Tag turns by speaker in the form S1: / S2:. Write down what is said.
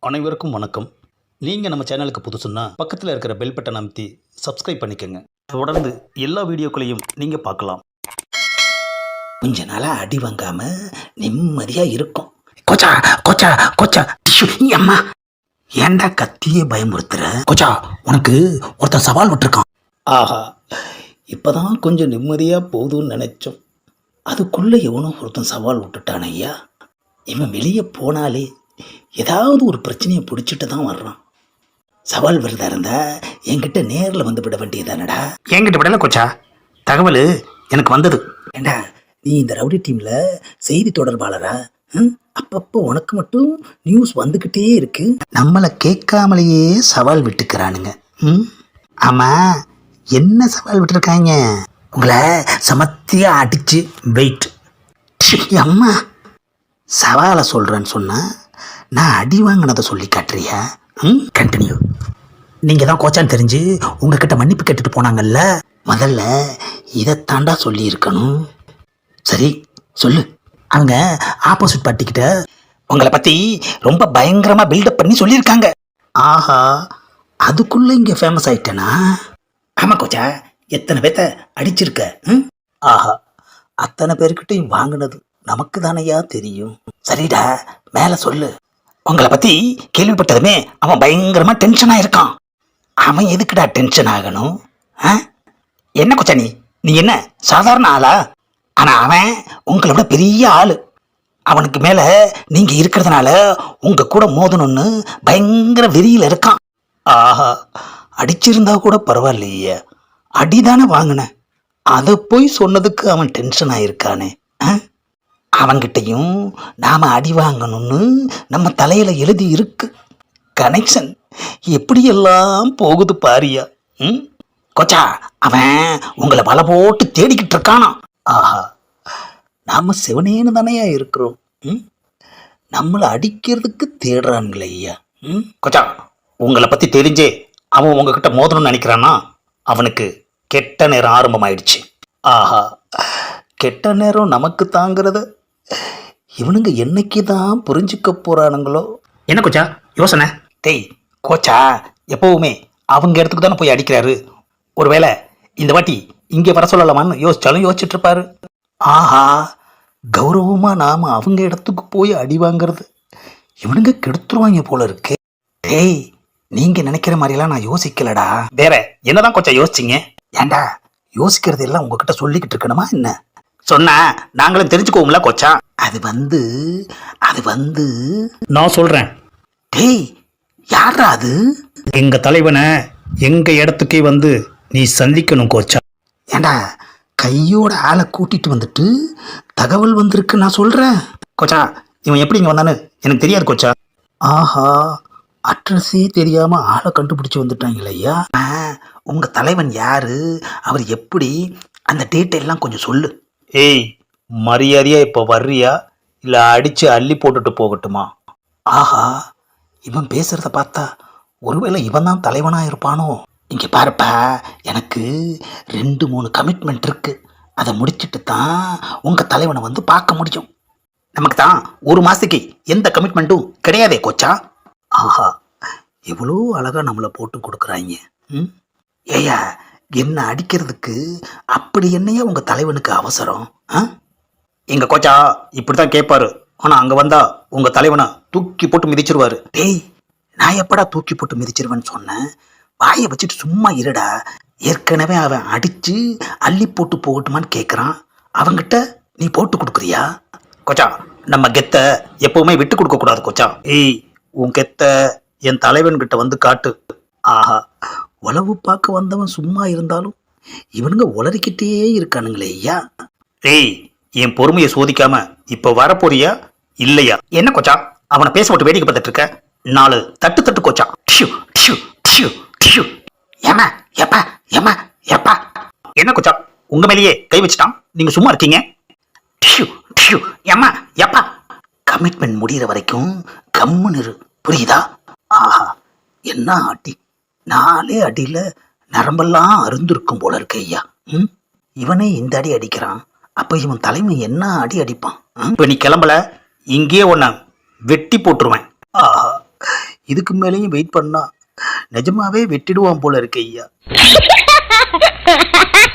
S1: அனைவருக்கும் வணக்கம். நீங்கள் நம்ம சேனலுக்கு புதுசுன்னா பக்கத்தில் இருக்கிற பெல் பட்டன் அமைத்தி சப்ஸ்கிரைப் பண்ணிக்கோங்க. தொடர்ந்து எல்லா வீடியோக்களையும் நீங்கள் பார்க்கலாம்.
S2: கொஞ்ச நாளாக அடி வாங்காம நிம்மதியாக இருக்கும். கொச்சா கொச்சா கொச்சா டிஷ்யூ அம்மா, ஏன்டா கத்தியே பயமுறுத்துற? கொச்சா, உனக்கு ஒருத்தன் சவால் விட்டுருக்கான்.
S1: ஆஹா, இப்போதான் கொஞ்சம் நிம்மதியாக போகுதுன்னு நினச்சோம்.
S2: அதுக்குள்ளே எவனோ ஒருத்தன் சவால் விட்டுட்டான் ஐயா. இவன் வெளியே போனாலே ஏதாவது ஒரு பிரச்சனையை பிடிச்சிட்டு தான் வர்றான். சவால் விரதா இருந்தா என்கிட்ட நேரில் வந்து விட வேண்டியதானடா.
S1: என்கிட்ட விடலை கொச்சா, தகவல் எனக்கு வந்தது.
S2: ஏண்டா, நீ இந்த ரவுடி டீமில் செய்தி தொடர்பாளரா? அப்பப்போ உனக்கு மட்டும் நியூஸ் வந்துக்கிட்டே இருக்கு. நம்மளை கேட்காமலேயே சவால் விட்டுக்கிறானுங்க. ஆமாம், என்ன சவால் விட்டுருக்காங்க? உங்களை சமத்தியாக அடித்து வெயிட். அம்மா, சவாலை சொல்கிறேன்னு சொன்னால் நான் அடி வாங்கினதை சொல்லி காட்டுறியா? கண்டினியூ. நீங்கள் தான் கோச்சான்னு தெரிஞ்சு உங்ககிட்ட மன்னிப்பு கேட்டுட்டு போனாங்கல்ல, முதல்ல இதைத்தாண்டா சொல்லியிருக்கணும். சரி சொல்லு. அவங்க ஆப்போசிட் பார்ட்டிக்கிட்ட உங்களை பற்றி ரொம்ப பயங்கரமாக பில்டப் பண்ணி சொல்லியிருக்காங்க. ஆஹா, அதுக்குள்ளே இங்கே ஃபேமஸ் ஆயிட்டேனா? ஆமாம் கோச்சா, எத்தனை பேர்த்த அடிச்சிருக்க? ஆஹா, அத்தனை பேர்கிட்டையும் வாங்கினது நமக்கு தானையா தெரியும். சரிடா, மேலே சொல்லு. உங்களை பற்றி கேள்விப்பட்டதுமே அவன் பயங்கரமாக டென்ஷனாக இருக்கான். அவன் எதுக்குடா டென்ஷன் ஆகணும்? என்ன கொச்சா, நீ என்ன சாதாரண ஆளா? ஆனால் அவன் உங்களை விட பெரிய ஆள். அவனுக்கு மேலே நீங்கள் இருக்கிறதுனால உங்கள் கூட மோதணும்னு பயங்கர வெறியில் இருக்கான். ஆஹா, அடிச்சிருந்தா கூட பரவாயில்லையே, அடிதானே வாங்கினேன், அதை போய் சொன்னதுக்கு அவன் டென்ஷன் ஆகிருக்கானே. அவங்கிட்டையும் நாம் அடி வாங்கணும்னு நம்ம தலையில் எழுதி இருக்கு. கனெக்ஷன் எப்படியெல்லாம் போகுது பாரியா. கொச்சா, அவன் உங்களை வலை போட்டு தேடிக்கிட்டு இருக்கானா? ஆஹா, நாம் சிவனேன்னு தானையா இருக்கிறோம். நம்மளை அடிக்கிறதுக்கு தேடுறானுங்களே ஐயா. கொச்சா, உங்களை பற்றி தெரிஞ்சே அவன் உங்ககிட்ட மோதணும்னு நினைக்கிறான்னா அவனுக்கு கெட்ட நேரம் ஆரம்பமாயிடுச்சு. ஆஹா, கெட்ட நேரம் நமக்கு தாங்கிறத இவனுங்க என்னைக்கு தான் புரிஞ்சுக்க போகிறானுங்களோ. என்ன கோச்சா யோசனை? டேய் கோச்சா, எப்போவுமே அவங்க இடத்துக்கு தானே போய் அடிக்கிறாரு. ஒருவேளை இந்த வாட்டி இங்கே வர சொல்லலாமான்னு யோசிச்சாலும் யோசிச்சுட்டு இருப்பாரு. ஆஹா, கௌரவமாக நாம் அவங்க இடத்துக்கு போய் அடி வாங்கிறது இவனுங்க கெடுத்துருவாங்க போல இருக்கு. டேய், நீங்கள் நினைக்கிற மாதிரிலாம் நான் யோசிக்கலடா. வேற என்னதான் கோச்சா யோசிச்சிங்க? ஏண்டா, யோசிக்கிறது எல்லாம் உங்ககிட்ட சொல்லிக்கிட்டு இருக்கணுமா என்ன? சொன்னா நாங்களும் தெரிஞ்சுக்குவோம்ல கோச்சா. அது வந்து
S1: நான் சொல்கிறேன்.
S2: டேய், யாரா அது?
S1: எங்கள் தலைவனை எங்கள் இடத்துக்கே வந்து நீ சந்திக்கணும் கோச்சா.
S2: ஏண்டா, கையோட ஆளை கூட்டிட்டு வந்துட்டு தகவல் வந்திருக்கு நான் சொல்கிறேன்.
S1: கோச்சா, இவன் எப்படி இங்கே வந்தான்னு எனக்கு தெரியாது கோச்சா.
S2: ஆஹா, அட்ரஸே தெரியாமல் ஆளை கண்டுபிடிச்சி வந்துட்டாங்களே ஐயா. உங்கள் தலைவன் யாரு, அவர் எப்படி, அந்த டீட்டெயிலாம் கொஞ்சம் சொல்லு.
S1: ஏய், மரியாதையா இப்போ வர்றியா இல்லை அடித்து அள்ளி போட்டுட்டு போகட்டுமா?
S2: ஆஹா, இவன் பேசுகிறத பார்த்தா ஒருவேளை இவன் தான் தலைவனாக இருப்பானோ? இங்கே பாருப்பா, எனக்கு 2-3 கமிட்மெண்ட் இருக்குது. அதை முடிச்சுட்டு தான் உங்கள் தலைவனை வந்து பார்க்க முடியும்.
S1: நமக்கு தான் ஒரு மாதத்துக்கு எந்த கமிட்மெண்ட்டும் கிடையாதே கோச்சா.
S2: ஆஹா, எவ்வளோ அழகாக நம்மளை போட்டு கொடுக்குறாங்க. ஏயா, என்ன அடிக்கிறதுக்கு அப்படி என்னையா உங்கள் தலைவனுக்கு அவசரம்?
S1: எங்கள் கோச்சா இப்படி தான் கேட்பாரு. ஆனால் அங்கே வந்தால் உங்கள் தலைவனை தூக்கி போட்டு மிதிச்சிருவாரு.
S2: டேய், நான் எப்படா தூக்கி போட்டு மிதிச்சிருவேன்னு சொன்னேன்? வாயை வச்சுட்டு சும்மா இருடா. ஏற்கனவே அவன் அடித்து அள்ளி போட்டு போகட்டுமான்னு கேட்குறான். அவங்கிட்ட நீ போட்டு கொடுக்குறியா?
S1: கோச்சா, நம்ம கெத்தை எப்போவுமே விட்டு கொடுக்கக்கூடாது கோச்சா. ஏய், உன் கெத்தை என் தலைவன்கிட்ட வந்து காட்டு.
S2: ஆஹா, உளவு பார்க்க வந்தவன் சும்மா இருந்தாலும் இவனுங்க உளறிக்கிட்டே இருக்கானுங்களே ஐயா.
S1: ஏய், என் பொறுமையை சோதிக்காம இப்போ வரப்போறியா இல்லையா? என்ன கோச்சா, அவனை பேச விட்டு வேடிக்கை பார்த்துட்டு இருக்க? 4 தட்டு கோச்சா. Tissue tissue tissue tissue.
S2: ஏமா எப்பா ஏமா எப்பா.
S1: என்ன கோச்சா, உங்க மேலேயே கை வச்சுட்டான், நீங்க சும்மா இருக்கீங்க?
S2: டிஷ்யூ டிஷ்யூ ஏமா எப்பா. கமிட்மெண்ட் முடிகிற வரைக்கும் கம்முன்னு இரு, புரியுதா? ஆஹா, என்ன அடி! 4 அடியில் நரம்பெல்லாம் அருந்திருக்கும் போல இருக்கு ஐயா. இவனே இந்த அடி அடிக்கிறான், அப்போ இவன் தலைமை என்ன அடி அடிப்பான்?
S1: இப்போ நீ கிளம்பல, இங்கேயே ஒன்று வெட்டி போட்டுருவேன்.
S2: ஆஹா, இதுக்கு மேலேயும் வெயிட் பண்ணா நிஜமாவே வெட்டிடுவான் போல இருக்கு ஐயா.